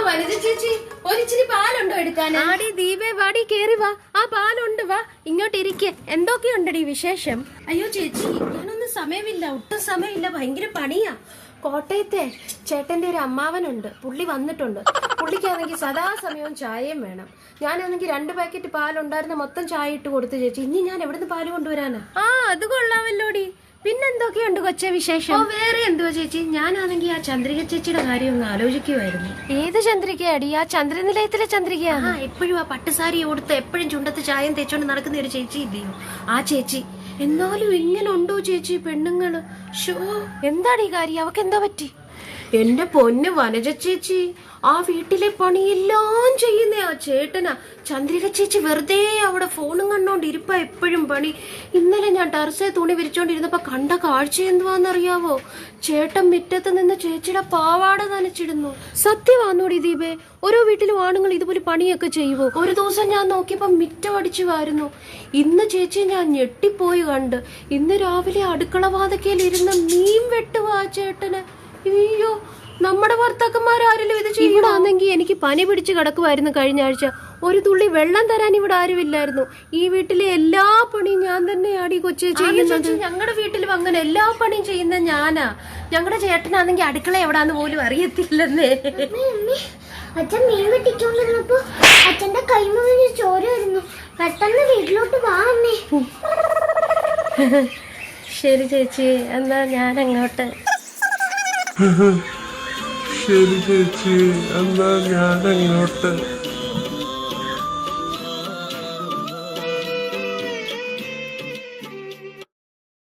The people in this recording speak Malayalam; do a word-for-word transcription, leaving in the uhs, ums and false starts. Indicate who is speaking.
Speaker 1: വനിത ചേച്ചി ഒരിച്ചിരി പാലുണ്ടോ എടുക്കാൻ?
Speaker 2: ആടി ദീപേ വാടി കേറി വാ, ആ പാലുണ്ട്, വാ ഇങ്ങോട്ട് ഇരിക്കെ. എന്തൊക്കെയുണ്ടടി വിശേഷം?
Speaker 1: അയ്യോ ചേച്ചി, ഞാനൊന്നും സമയമില്ല, ഒട്ടും സമയമില്ല, ഭയങ്കര പണിയാ.
Speaker 2: കോട്ടയത്തെ ചേട്ടന്റെ ഒരു അമ്മാവനുണ്ട്, പുള്ളി വന്നിട്ടുണ്ട്. പുള്ളിക്കാണെങ്കിൽ സദാസമയവും ചായയും വേണം. ഞാനാണെങ്കിൽ രണ്ട് പാക്കറ്റ് പാലുണ്ടായിരുന്ന മൊത്തം ചായ ഇട്ട് കൊടുത്തു ചേച്ചി. ഇനി ഞാൻ എവിടുന്ന് പാല് കൊണ്ടുവരാനാ?
Speaker 1: ആ അത് കൊള്ളാമല്ലോടി.
Speaker 2: പിന്നെന്തൊക്കെയുണ്ട് കൊച്ചെ വിശേഷം?
Speaker 1: ഓ വേറെ എന്തുവാ ചേച്ചി, ഞാനാണെങ്കിൽ ആ ചന്ദ്രിക ചേച്ചിയുടെ കാര്യം ഒന്ന് ആലോചിക്കുമായിരുന്നു.
Speaker 2: ഏത് ചന്ദ്രികയാടി? ആ ചന്ദ്രനിലയത്തിലെ ചന്ദ്രികയാണ്.
Speaker 1: ആ എപ്പോഴും ആ പട്ടുസാരി കൊടുത്ത് എപ്പോഴും ചുണ്ടത്ത് ചായം തേച്ചോണ്ട് നടക്കുന്ന ഒരു ചേച്ചി ഇല്ലയോ, ആ ചേച്ചി. എന്നാലും ഇങ്ങനെ ഉണ്ടോ ചേച്ചി പെണ്ണുങ്ങള്? ഷോ,
Speaker 2: എന്താണ് ഈ കാര്യം? അവക്ക് എന്താ പറ്റി?
Speaker 1: എന്റെ പൊന്ന് വനജ ചേച്ചി, ആ വീട്ടിലെ പണിയെല്ലാം ചെയ്യുന്ന ആ ചേട്ടനാ. ചന്ദ്രിക ചേച്ചി വെറുതെ അവിടെ ഫോണും കണ്ടോണ്ട് ഇരിപ്പ, എപ്പോഴും പണി. ഇന്നലെ ഞാൻ ടെറസെ തുണി വിരിച്ചോണ്ടിരുന്നപ്പോ കണ്ട കാഴ്ച എന്തുവാന്നറിയാവോ? ചേട്ടൻ മുറ്റത്ത് നിന്ന് ചേച്ചിയുടെ പാവാട നനച്ചിടുന്നു.
Speaker 2: സത്യമാണോടി ദീപേ? ഓരോ വീട്ടിലും ആണുങ്ങൾ ഇതുപോലെ പണിയൊക്കെ ചെയ്യുവോ?
Speaker 1: ഒരു ദിവസം ഞാൻ നോക്കിയപ്പോ മിറ്റം അടിച്ചു വാരുന്നു. ഇന്ന് ചേച്ചി ഞാൻ ഞെട്ടിപ്പോയി കണ്ട്. ഇന്ന് രാവിലെ അടുക്കള വാതക്കയിൽ ഇരുന്ന് മീൻ വെട്ടുവാ ചേട്ടന്. അയ്യോ, നമ്മുടെ ഭർത്താക്കന്മാരാരെങ്കിലും ഇത്
Speaker 2: ചെയ്യണമെങ്കിൽ എനിക്ക് പനി പിടിച്ച് കിടക്കുമായിരുന്നു കഴിഞ്ഞ ആഴ്ച. ഒരു തുള്ളി വെള്ളം തരാൻ ഇവിടെ ആരുമില്ലായിരുന്നു. ഈ വീട്ടിലെ എല്ലാ പണിയും ഞാൻ തന്നെയാണ് ഈ കൊച്ചെ ചെയ്യുന്നത്.
Speaker 1: ഞങ്ങളുടെ വീട്ടിലും അങ്ങനെ എല്ലാ പണിയും ചെയ്യുന്ന ഞാനാ. ഞങ്ങളുടെ ചേട്ടനാണെങ്കിൽ അടുക്കള എവിടാന്ന് പോലും അറിയത്തില്ലെന്നേ.
Speaker 3: അച്ഛൻ മീൻ വെട്ടിക്കൊണ്ടിരുന്നപ്പോ അച്ഛന്റെ കൈ മുഴുവൻ ചോര വരുന്നു. പെട്ടെന്ന് വീട്ടിലോട്ട് വാ അമ്മേ.
Speaker 2: ശരി ചേച്ചി, എന്നാ ഞാൻ അങ്ങോട്ട്.
Speaker 4: ശരി ചേച്ചി, എന്നാ ഞാൻ അങ്ങോട്ട്.